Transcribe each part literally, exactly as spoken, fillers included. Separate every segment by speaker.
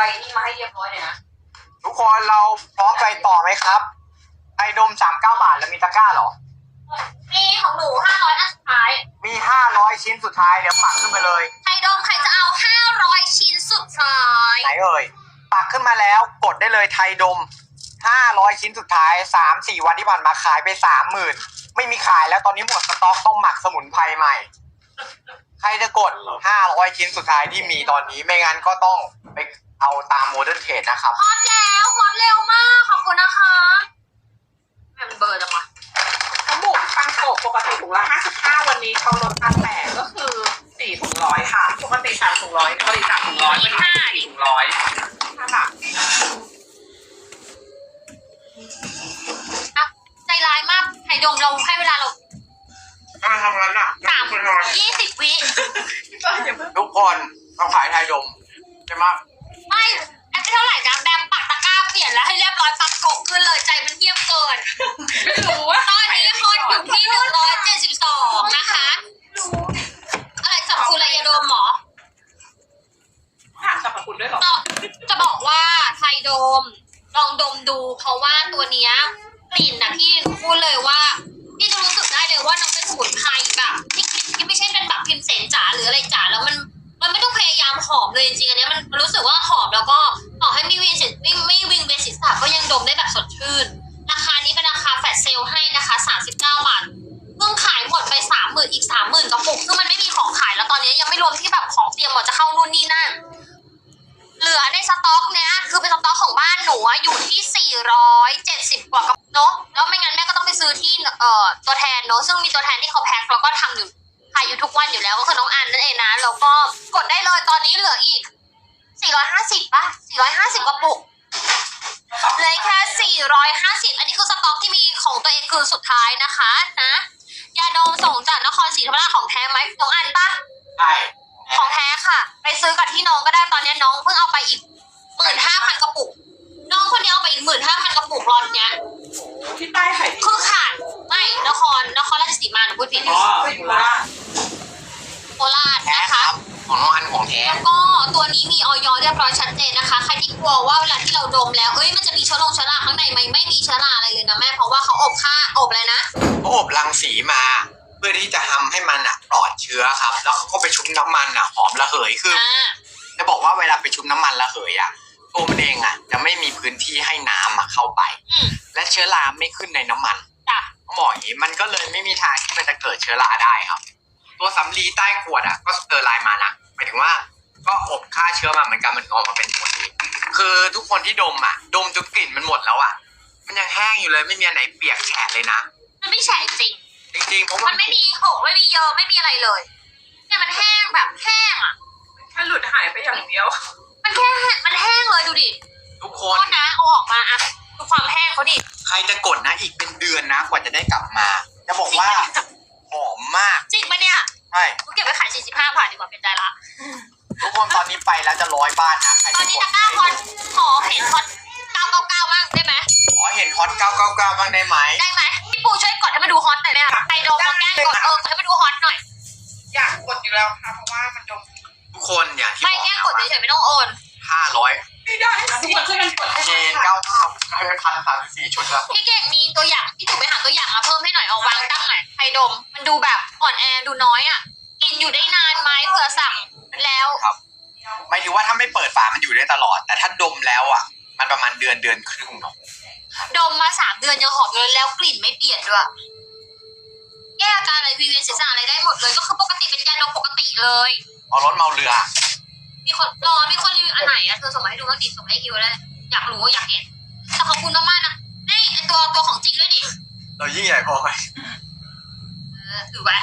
Speaker 1: นี่มาให้เรียบร้อยเลยนะ
Speaker 2: ทุกคนเราพร้อมไปต่อไหมครับไอดมสามเก้าบาทแล้วมีตะกร้าเหรอ
Speaker 1: มีของหนูห้าร้อยอันสุดท้าย
Speaker 2: มีห้าร้อยชิ้นสุดท้ายเดี๋ยวปักขึ้นไปเลย
Speaker 1: ไอดมใครจะเอาห้าร้อยชิ้นสุดท้าย
Speaker 2: ไหนเอ่ยปักขึ้นมาแล้วกดได้เลยไทยดมห้าร้อยชิ้นสุดท้าย สามสี่ วันที่ผ่านมาขายไป สามหมื่น ไม่มีขายแล้วตอนนี้หมดสต็อกต้องหมักสมุนไพรใหม่ใครจะกดห้าร้อยชิ้นสุดท้ายที่มีตอนนี้ไม่งั้นก็ต้องไปเอาตามโมเดิร์นเทรดนะครับ
Speaker 1: ฮอตแล้วฮอตเร็วมากขอบคุณนะคะมันเบอร์จังวะ
Speaker 3: เขาบุกปังโกะปกติถุงละห้าสิบห้าวันนี้เขาลดมาแปดก็คือสี่ถุงร้อยค่ะปกติสามถุงร้อยปกติสามถุงร้อยเป็นห้าสี่ถุงร้อยค่ะ
Speaker 1: ใจร้ายมากไทยดมเราให้เวลาเรา
Speaker 2: อะไรทำงั้นอ่ะ
Speaker 1: สามยี่สิบวิ
Speaker 2: ทุกคนต้องขายไทยดมใช่ไหม
Speaker 1: ไม่แอปเท่าไหร่นะแบมปักตะกร้าเปลี่ยนแล้วให้เรียบร้อยปักโกขึ้นเลยใจมันเยี่ยมเกิน
Speaker 3: ไม่รู้ว่า
Speaker 1: ตอนนี้ฮอตอยู่ที่หนึ่งร้อยเจ็ดสิบสองนะคะอะไรสรรพคุณอะไรยาดมหรอ
Speaker 3: หาสรรพคุณด้วยหรอ
Speaker 1: จะบอกว่าไทยดมลองดมดูเพราะว่าตัวเนี้ยกลิ่นนะพี่พูดเลยว่าพี่จะรู้สึกได้เลยว่าน้องเป็นสมุนไพรแบบที่กลิ่นที่ไม่ใช่เป็นแบบพิมเสนจ๋าหรืออะไรจ๋าแล้วมันมันไม่ต้องพยายามหอมเลยจริงๆอันนี้มันรู้สึกว่าหอมแล้วก็ต่อให้ไม่วิงไม่ไม่วิงเบสิสก็ยังดมได้แบบสดชื่นราคานี้เป็นราคาแฟลชเซลให้นะคะสามสิบเก้าบาทเพิ่งขายหมดไปสามหมื่นอีกสามหมื่นกระปุกซึ่งมันไม่มีของขายแล้วตอนนี้ยังไม่รวมที่แบบของเตรียมหมดจะเข้านู่นนี่นั่นเหลือในสต็อกเนี้ยคือเป็นสต็อกของบ้านหนูอยู่ที่สี่ร้อยเจ็ดสิบกว่ากระปุกเนาะแล้วไม่งั้นแม่ก็ต้องไปซื้อที่เอ่อตัวแทนเนาะซึ่งมีตัวแทนที่เขาแพ็คแล้วก็ทำอยู่ขายอยู่ทุกวันอยู่แล้วก็คือน้องอันนั่นเองนะแล้วก็กดได้เลยตอนนี้เหลืออีกสี่ร้อยห้าสิบป่ะสี่ร้อยห้าสิบกระปุกเลยแค่สี่ร้อยห้าสิบอันนี้คือสต็อกที่มีของตัวเองคือสุดท้ายนะคะนะยาดมส่งจากนครศรีธรรมราชของแท้ไหมน้องอันป่ะ
Speaker 2: ใช่
Speaker 1: ของแท้ค่ะไปซื้อกับที่น้องก็ได้ตอนนี้น้องเพิ่งเอาไปอีกหมื่นห้าพันกระปุกน้องคนนี้เอาไปอีกหมื่นห้าพันกระปุกรอนเนี้ย
Speaker 3: ที่ใต้ขาย
Speaker 1: คือขาดไม่นครนครราชสีมาหนูพูดผิด
Speaker 3: อ๋อโคราช
Speaker 1: โคราชนะคะ
Speaker 2: ของน้องอันของแท้
Speaker 1: แล้วก็ตัวนี้มีออยเรียบร้อยชัดเจนนะคะใครที่กลัวว่าเวลาที่เราดมแล้วเอ้ยมันจะมีเชื้อโรคเชื้อราข้างในไหมไม่มีเชื้อราอะไรเลยนะแม่เพราะว่าเขาอบค่าอบอะไรนะ
Speaker 2: เขาอบรังสีมาเพื่อที่จะทำให้มันอ่ะปลอดเชื้อครับแล้วเขาก็ไปชุบน้ำมันอ่ะหอมระเหยคือจะบอกว่าเวลาไปชุบน้ำมันระเหยอ่ะตัวมันเองอ่ะจะไม่มีพื้นที่ให้น้ำอ่ะเข้าไปและเชื้อราไม่ขึ้นในน้ำมันเขาบอกอย่างนี้มันก็เลยไม่มีทางที่มันจะเกิดเชื้อราได้ครับตัวสำลีใต้ขวดอ่ะก็สเตอร์ไลน์มานะหมายถึงว่าก็อบฆ่าเชื้อมาเหมือนกันมันออกมาเป็นตัวนี้คือทุกคนที่ดมอ่ะดมจนกลิ่นมันหมดแล้วอ่ะมันยังแห้งอยู่เลยไม่มีอันไหนเปียกแฉะเลยนะ
Speaker 1: มันไม่แฉะจริง
Speaker 2: จริงๆเพราะ
Speaker 1: มันไม่มีหงไม่มีเยอะไม่มีอะไรเลยเนี่ยมันแห้งแบบแห้งอ่ะ
Speaker 3: แค่หลุดหายไปอย่างเดียว
Speaker 1: มันแค่มันแห้งเลยดูดิ
Speaker 2: ทุกคน
Speaker 1: นะเอาออกมาอ่ะดูความแห้งเขาดิ
Speaker 2: ใครจะกดนะอีกเป็นเดือนนะกว่าจะได้กลับมาจะบอกว่าหอมมาก
Speaker 1: จริงปะเนี่ย
Speaker 2: ใช่
Speaker 1: กูเก็บไปขายสี่สิบห้าบาทดีกว่าเป็นใจละ
Speaker 2: ทุกคนตอนนี้ไปแล้วจะร้อยบ้านนะ
Speaker 1: ตอนนี้ตะกร้าฮอตขอเห็นฮอตเก้าเก้าเก้าบ้างได้ไหม
Speaker 2: ขอเห็นฮอตเก้าเก้าเก้าบ้างได้ไหม
Speaker 1: ได้ไหมพี่ปูช่วยกดให้มาดูฮอตหน่อยได้ไหมใครดมมาแกล้งกดเออให้มาดูฮอตหน่อย
Speaker 3: อยากกดอยู่แล้วค่ะเพราะว่ามันดม
Speaker 2: ทุกคนอย่างที่
Speaker 1: ไม่แกล้งกดเฉยๆไม่ต้องโอน
Speaker 2: ห้าร้อย
Speaker 3: ไม่ได้ทุกคนช่วยกันกด
Speaker 2: เจนเก้าเก้าให้พันสามสิบสี่ชุดแล้ว
Speaker 1: พี่เก่งมีตัวอย่างพี่ถูกไปหาตัวอย่างมาเพิ่มให้หน่อยเอาวางตั้งหน่อยใครดมมันดูแบบอ่อนแอดูน้อยอ่ะกินอยู่ได้นานไหมเผื่อสั่งแล้ว
Speaker 2: ครับหมายถึงว่าถ้าไม่เปิดฝามันอยู่ได้ตลอดแต่ถ้าดมแล้วอ่ะมันประมาณเดือนเดือนครึ่งเนาะ
Speaker 1: ดมมาสามเดือนยังหอมอยู่เลยแล้วกลิ่นไม่เปลี่ยนด้วยแก้อาการอะไรวีเวียนศีรษะอะไรได้หมดเลยก็คือปกติเป็นยาดมปกติเลย
Speaker 2: เอารถเมาเรือ
Speaker 1: มีคนรอมีคนรีวิวอันไหนอะเธอส่งมาให้ดูบ้างดิส่งให้คิวเลยอยากรู้อยากเห็นแต่ขอบคุณมากๆนะนี่ไอตัวตัวของจริงด้วยดิ
Speaker 2: เรายิ่งใหญ่พอไหม
Speaker 1: เออถือไว้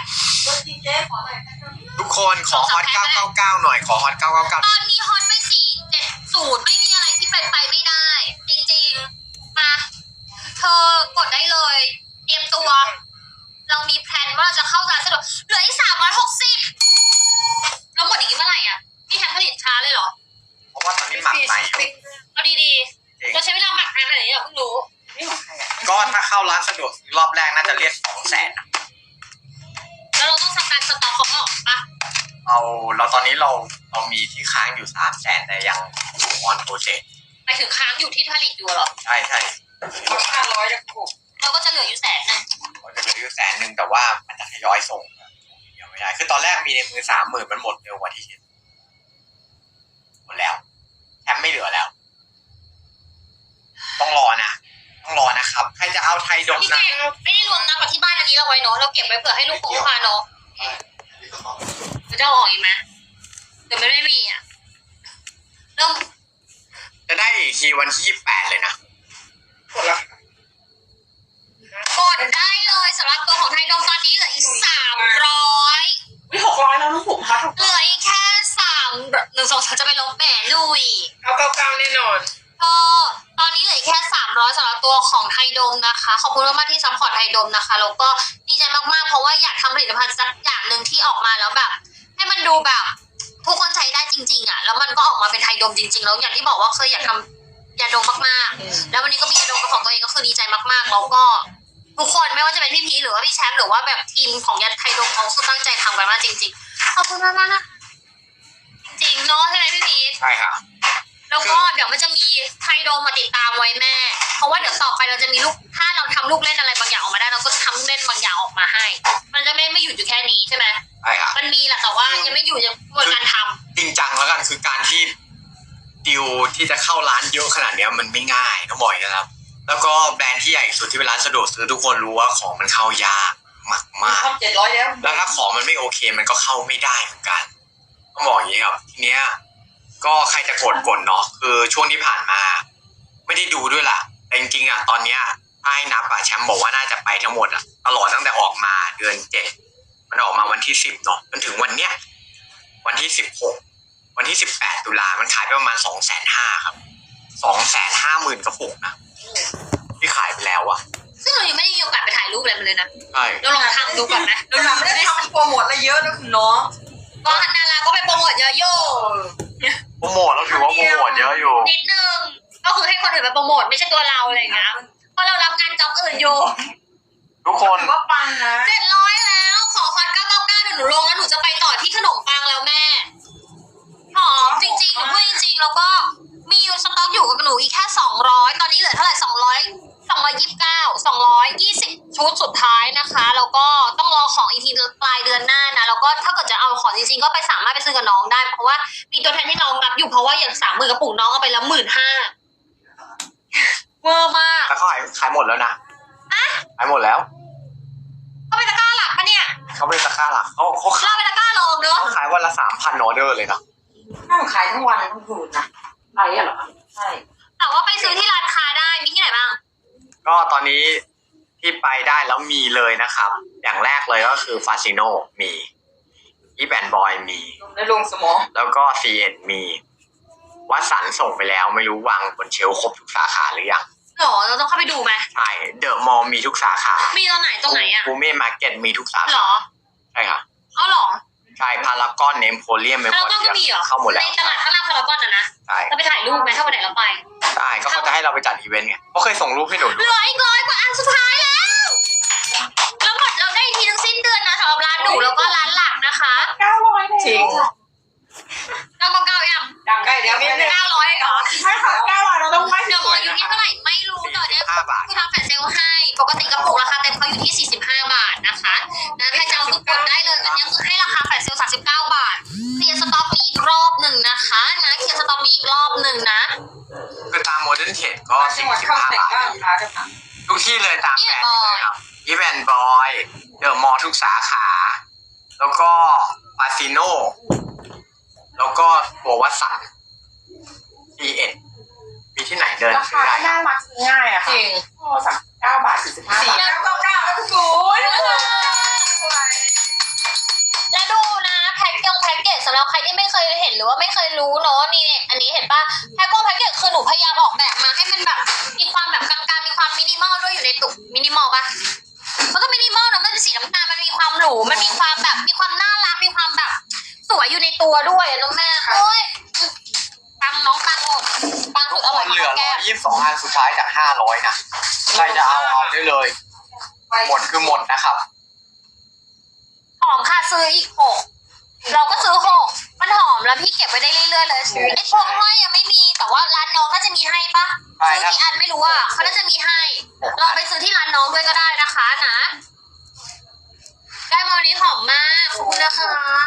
Speaker 2: ทุกคนขอฮอตเก้าเก้าเก้าหน่อยขอฮอตเก้าเก้าเก้า
Speaker 1: ตอนนี้ฮอตไปสี่เจ็ดศูนย์ไม่มีอะไรที่เป็นไปไม่ได้จริงๆมาเธอกดได้เลยเตรียมตัวเรามีแพลนว่าเราจะเข้าร้านสะดวกเหลืออีกสามร้อยหกสิบเราหมดอีกเมื่อไหร่อ่ะพี่แทนผลิตช้าเลยเหรอ
Speaker 2: เพราะว่าตอนนี้หมักใหม่
Speaker 1: เอาดีๆเราใช้เวลาหมักนานขนาดนี้เหรอเพิ่งรู้
Speaker 2: ก็ถ้าเข้าร้านสะดวกรอบแรกน่าจะเรียกสองแสน
Speaker 1: แล้วเราต้องสกัดสต็อกเขาออกปะ
Speaker 2: เอาเราตอนนี้เราเรามีที่ค้างอยู่สามแสนแต่ยังออนโปรเซส
Speaker 1: ไปถึงค้างอยู่ที่ผลิตอยู่เหรอ
Speaker 2: ใช่ใช่
Speaker 3: ห้าร้อยจะกบ
Speaker 1: เราก็จะเหลืออยู่แสนหนึง
Speaker 2: มันจะเหลืออยู่แสนหนึ่งแต่ว่ามันจะทยอยส่งเดี๋ยวไม่ได้คือตอนแรกมีในมือสามหมื่นมันหมดเร็วกว่าที่คิดหมดแล้วแชมป์ไม่เหลือแล้ว ต้องรอนะต้องรอนะครับใครจะเอาไทยดม
Speaker 1: พี่
Speaker 2: นะ
Speaker 1: เก่งไม่ได้รวมนับกับที่บ้านอันนี้เราไว้เนาะเราเก็บไว้เผื่อให้ลูกคงลูกค้าเนาะจะเอาออกอีกไหมเดี๋ยวมันไม่มีอ่ะเริ่ม
Speaker 2: จะได้อีกทีวันที่ยี่สิบแปดเลยนะ
Speaker 3: กดละ
Speaker 1: กดได้เลยสำหรับตัวของไทยดมตอนนี้เหลืออีกสามร้อย
Speaker 3: วิหกร้อยแล้วน้องผมคะถูก
Speaker 1: เหลืออีกแค่สามหนึ่งสองสามจะไปลบแหมลุย
Speaker 3: เอาเก้าเก้าแน่นอน
Speaker 1: เออตอนนี้เหลือแค่สามร้อยสำหรับตัวของไทยดมนะคะ ขอบคุณมากๆที่ซัพพอร์ตไทยดมนะคะ แล้วก็ดีใจมากๆ เพราะว่าอยากทำผลิตภัณฑ์สักอย่างหนึ่งที่ออกมาแล้วแบบ ให้มันดูแบบทุกคนใช้ได้จริงๆอ่ะ แล้วมันก็ออกมาเป็นไทยดมจริงๆ แล้วอย่างที่บอกว่าเคยอยากทำยาดมมากๆ แล้ววันนี้ก็มียาดมเป็นของตัวเองก็คือดีใจมากๆ แล้วก็ทุกคนไม่ว่าจะเป็นพี่พีชหรือว่าพี่แชมป์หรือว่าแบบทีมของยาไทยดมเขาคือตั้งใจทำกันมากจริงๆ ขอบคุณมากๆนะจริงเนาะใช่ไหมพี่พีช
Speaker 2: ใช่ค่ะ
Speaker 1: แล้วก็เดี๋ยวมันจะมีไทยโดมมาติดตามไว้แม่ เพราะว่าเดี๋ยวต่อไปเราจะมีลูก ถ้าเราทำลูกเล่นอะไรบางอย่างออกมาได้เราก็ทำลูกเล่นบางอย่างออกมาให้ มันจะไม่ไม่หยุดอยู่แค่นี้ใช่ไหม
Speaker 2: ใช่ค่ะ
Speaker 1: มันมีแหละแต่ว่ายังไม่อยู่ยังกระบวนการท
Speaker 2: จริงจังแล้วกันคือการที่ดิวที่จะเข้าร้านเยอะขนาดเนี้ยมันไม่ง่ายต้องบอกอย่างนี้นะครับ แล้วก็แบรนด์ที่ใหญ่สุดที่เป็นร้านสะดวกซื้อทุกคนรู้ว่าของมันเข้ายากมากมาก
Speaker 3: ทำเจ็ดร้อยแล้ว
Speaker 2: แล้วถ้าของมันไม่โอเคมันก็เข้าไม่ได้เหมือนกันต้องบอกอย่างนี้ครับทีเนี้ยก็ใครจะกดกดเนาะคือช่วงที่ผ่านมา ไม่ได้ดูด้วยล่ะแต่จริงๆอ่ะตอนเนี้ยถ้าให้นับอ่ะแชมป์บอกว่าน่าจะไปทั้งหมดอ่ะตลอดตั้งแต่ออกมาเดือนเจ็ดมันออกมาวันที่สิบเนาะจนถึงวันเนี้ยวันที่สิบหกวันที่สิบแปดตุลามันขายไปประมาณสองแสนห้าครับสองแสนห้าหมื่นกระปุกนะที่ขายไปแล้วอ่ะ
Speaker 1: ำซึ่งเรายังไม่ได้มีโอกาสไปถ่ายรูปอะไรมันเลยนะ
Speaker 2: ใช่
Speaker 1: เราลองทำดูก่อนไหม
Speaker 3: เราไม่ได้ทำโปรโมทอะไรเยอะนะคุณน้อง
Speaker 1: ก็ฮันนาราก็ไปโปรโมทเยอะโย่
Speaker 2: โปรโมทเราถือว่าโปรโมทเยอะอยู่
Speaker 1: นิดนึงก็คือให้คนอื่นไปโปรโมทไม่ใช่ตัวเราอะไรอย่างเงี้ยเพราะเรารับงานจ็อบอื่นอยู่
Speaker 2: ทุกคน
Speaker 3: ว่าปังนะ
Speaker 1: เจ็ดร้อยแล้วขอคอนเก้าเก้าเก้าเดี๋ยวหนูลงแล้วหนูจะไปต่อที่ขนมปังแล้วแม่หอมจริงๆหนูพูดจริงๆแล้วก็มีสต็อกอยู่กับหนูอีกแค่สองร้อยตอนนี้เหลือเท่าไหร่สองร้อยสองร้อยยี่สิบเก้าสองร้อยยี่สิบชุดสุดท้ายนะคะแล้วก็ต้องรอของอีกทีปลายเดือนหน้านะแล้วก็ถ้าเกิดจะเอาของจริงๆก็ไปสามารถไปซื้อกับน้องได้เพราะว่ามีตัวแทนที่น้องรับอยู่เพราะว่าอย่างสามหมื่นกระปุกน้องเอาไปแล้วหมื่นห้าเวอร์มาก
Speaker 2: แล้วเขาขายขายหมดแล้วนะขายหมดแล้ว
Speaker 1: ก็เป็นตะกร้าหลักปะเนี่ย
Speaker 2: เขาไม่ได้ตะกร้าหลักเขาเขาขาย
Speaker 1: เราเป็นตะกร้ารองเนอะ
Speaker 2: เขาขายวันละสามพันออเดอร์เลยนะ
Speaker 3: นั่งขายทั้งวันทั้งคืนนะขายอะเหรอใช่
Speaker 1: แต่ว่าไปซื้อที่ร้านค้าได้มีที่ไหนบ้าง
Speaker 2: ก็ตอนนี้ที่ไปได้แล้วมีเลยนะครับ อย่างแรกเลยก็คือฟาซิโนมีอีแบนบอยมี
Speaker 3: ลงได้ลงสมอง
Speaker 2: แล้วก็ซีเอ็นมีวัดสันส่งไปแล้วไม่รู้วางบนเชลฟ์ครบทุกสาขาหรือยัง
Speaker 1: หรอเราต้องเข้าไปดูไหม
Speaker 2: ใช่เดอะมอลล์มีทุกสาขา
Speaker 1: มีตรงไหนตรงไหนอ่ะ
Speaker 2: ฟูเม่มาร์เก็ตมีทุกสา
Speaker 1: หร
Speaker 2: ขา
Speaker 1: อ
Speaker 2: ใช่ค่ะ
Speaker 1: เอาหรอ
Speaker 2: ใช่พารากอนเนมโพเลียมเมม
Speaker 1: พา
Speaker 2: โพ
Speaker 1: รากอน
Speaker 2: เลีย
Speaker 1: ก็มีเหรอ
Speaker 2: เข้าหมด
Speaker 1: ใน
Speaker 2: แล้ว
Speaker 1: ตลาดข้างล่างพารากอนนะนะ
Speaker 2: ใช่
Speaker 1: เราไปถ่ายรูปไหมถ้าวันไหนเราไป
Speaker 2: ใช่ก็เขาจะให้เราไปจัดอีเวนต์ไงเขาเคยส่งรูปให้หนู
Speaker 1: เห
Speaker 2: ดู
Speaker 1: ลืออีกร้อยกว่าอันสุดท้ายแล้วแล้วหมดเราได้ทีทั้งสิ้นเดือนนะสำหรับร้านหนูแล้วก็ร้านหลักนะคะ
Speaker 3: เก้าร้อยจริง
Speaker 1: เราต้องเก้ายัง
Speaker 3: ดังใกล้เดี๋ยวนิดนึง
Speaker 1: เก้าร้อยเหรอ
Speaker 3: ใช่ค่ะเก้าร้อยเราต้องไหว้
Speaker 1: เดี๋ยวหมออยู่ที่เท่าไหร่ไม่รู้ตอนเนี้ย
Speaker 2: ห้าบาท
Speaker 1: คือทำแฟลชเซลล์ให้ปกติกระปุกราคาเต็มเขาอยู่ที่สี่สิบห้าบาทนะคะนะใครจะเอาคือกดได้เลยอันนี้คือให้ราคาแฟลชเซลล์สามสิบเก้าบาทเคลียร์สต็อกมีอีกรอบหนึ่งนะคะนะเคลียร์สต็อกมีอีกรอบหนึ่งนะ
Speaker 2: คือตามโมเดิร์นเทรดก็
Speaker 3: จั
Speaker 2: สี่
Speaker 3: งหวัด
Speaker 2: สิบ
Speaker 3: เข้า
Speaker 2: ห้า
Speaker 3: เตะ
Speaker 2: บาท
Speaker 3: บ้างคะจะถาม
Speaker 2: ทุกที่เลยตามแบรนด์เลยครับอีแวนบอยเดอะมอลล์ทุกสาขา แล้วก็ฟาซิโนแล้วก็ตัววัดสันซีเอ็ดมีที่ไหนเดิน
Speaker 3: รา
Speaker 2: ซื้อ
Speaker 3: คา
Speaker 2: ได้
Speaker 3: ก็น่ารักซื้อง่ายอะ
Speaker 1: จ
Speaker 3: ค่ะ
Speaker 1: ริง
Speaker 3: โอ้สักเก้าบาทสี่สิบห้าบาทเก้าเก้าเก้าแล้วทุกคน
Speaker 1: และดูนะแพ็คกงแพ็คเกจสำหรับใครที่ไม่เคยเห็นหรือว่าไม่เคยรู้เนาะนี่เนี่ยอันนี้เห็นปะแพ็คกงแพ็คเกจคือหนูพยายามออกแบบมาให้มันแบบมีความแบบกลางๆมีความมินิมอลด้วยอยู่ในตุกมินิมอลปะมันก็มินิมอลนะมันเป็นสีน้ำตาลมันมีความหรูมันมีความแบบมีความน่ารักมีความแบบสวยอยู่ในตัวด้วยอะน้องแม่โอ้ยปังน้องปังหมดปัง
Speaker 2: ทุ
Speaker 1: สุ
Speaker 2: ก
Speaker 1: ดอ
Speaker 2: ค
Speaker 1: ร่อย
Speaker 2: น
Speaker 1: ของ
Speaker 2: เหลือ
Speaker 1: แก้
Speaker 2: ร้อ
Speaker 1: ม
Speaker 2: ยยี่สิบสองอันสุดท้ายจากห้าร้อยนะใครจะเอาเอาได้เลย หมดคือหมดนะครับ
Speaker 1: หอมค่ะซื้ออีกหกเราก็ซื้อหกมันหอมแล้วพี่เก็บไว้ได้เรื่อยๆเลยไอ้พวงห้อยยังไม่มีแต่ว่าร้าน
Speaker 2: อะไร
Speaker 1: ซื้อ
Speaker 2: ครับ
Speaker 1: กี่อันไม่รู้อ่ะเขาน่าจะมีให้ลองไปซื้อที่ร้านน้องด้วยก็ได้นะคะนะ ได้มาวันนี้หอมมากขอบคุณนะคะ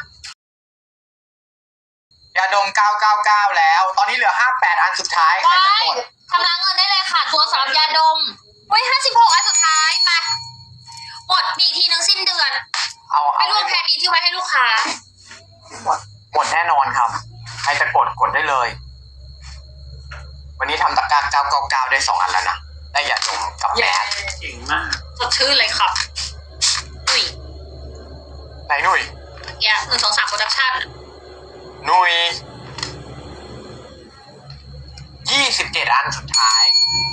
Speaker 2: ยาดมเก้าเก้าเก้าแล้ว ตอนนี้เหลือห้าแปดอันสุดท้ายใคร
Speaker 1: ว้า
Speaker 2: จะ
Speaker 1: ย
Speaker 2: กด
Speaker 1: ชำระเงินได้เลยค่ะตัวสำหรับยาดมไว้ห้าสิบหกอันสุดท้ายไปหมดมีอีกทีนึงสิ้นเดือน
Speaker 2: เอา
Speaker 1: ไม่
Speaker 2: เอา
Speaker 1: รวมแพนนี้ที่ไว้ให้ลูกค้า
Speaker 3: หมด
Speaker 2: หมดแน่นอนครับ ใครจะกดกดได้เลย วันนี้ทำตะกร้าเก้าเก้าเก้าได้สองอันแล้วนะ ได้ยาดมกับแมส
Speaker 3: เก่งมาก
Speaker 1: สดชื่นเลยครับอุ้ย
Speaker 2: ไหนหนุ่ย
Speaker 1: แกหนึ่งสองสามโปรดักชั่น
Speaker 2: หนุ่ยยี่สิบเจ็ดอันสุดท้าย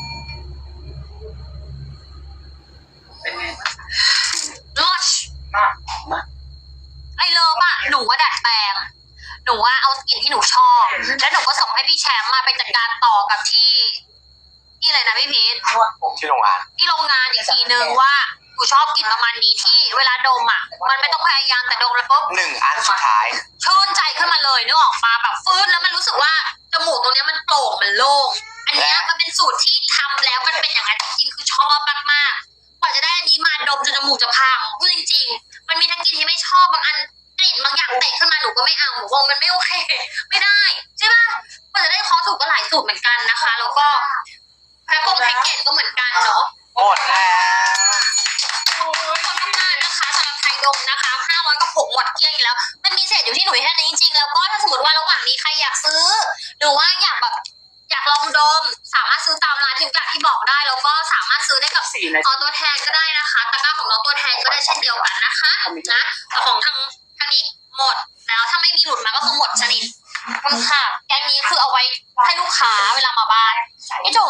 Speaker 3: เป็นไงบ้าง
Speaker 1: ลอช
Speaker 3: มากมาก
Speaker 1: ไอเลิฟอะหนูว่าดัดแปลง หนูว่าเอากลิ่นที่หนูชอบ แล้วหนูก็ส่งให้พี่แชมป์มาไปจัดการต่อกับที่ที่อะไรนะพี่พีท
Speaker 3: นวดผม
Speaker 2: ที่โรงงาน
Speaker 1: ที่โรงงานอีกทีนึงว่าหนูชอบกลิ่นประมาณนี้ที่เวลาดมอะมันไม่ต้องพยายามแต่ดมแล้วปุ๊บ
Speaker 2: หนึ่งอันสุดท้าย
Speaker 1: ชื่นใจขึ้นมาเลยนึกออกมาแบบฟื้นแล้วมันรู้สึกว่าจมูกตรงเนี้ยมันโปร่งมันโล่งอันเนี้ยมันเป็นสูตรที่ทำแล้วมันเป็นอย่างนั้นจริงๆคือชอบมากๆกว่าจะได้อันนี้มาดมจนจมูกจะพังพูดจริงๆมันมีทั้งกลิ่นที่ไม่ชอบบางอันกลิ่นบางอย่างเตะขึ้นมาหนูก็ไม่เอาหนูว่ามันไม่โอเค ไม่ได้ใช่ป่ะกว่าจะได้คอถูกก็หลายสูตรเหมือนกันนะคะ แล้วก็แพ็คกงแพ็กเกจก็เหมือนกันเนาะ
Speaker 2: หมดแล้ว
Speaker 3: โอ้ย
Speaker 1: ขอบคุณมากนะคะสำหรับไทยดมนะคะห้าร้อยกระปุกหมดเกลี้ยงอีกแล้ว มันมีเศษอยู่ที่หนูแค่นี้จริงๆ แล้วก็ถ้าสมมติว่าระหว่างนี้ใครอยากซื้อ หรือว่าอยากแบบอยากลองดม สามารถซื้อตามร้านที่กาที่บอกได้ แล้วก็สามารถซื้อได้กับ
Speaker 3: สี่นา
Speaker 1: ต
Speaker 3: ที
Speaker 1: อนตัวแทนก็ได้นะคะตะกร้าของน้องตัวแทนก็ได้เช่นเดียวกันนะคะนะแต่ของทางทางนี้หมดแล้วถ้าไม่มีหลุดมาก็คือหมดชนิดขอบคุณค่ะแกงนี้คือเอาไว้ให้ลูกค้าเวลามาบ้านไอ้โจ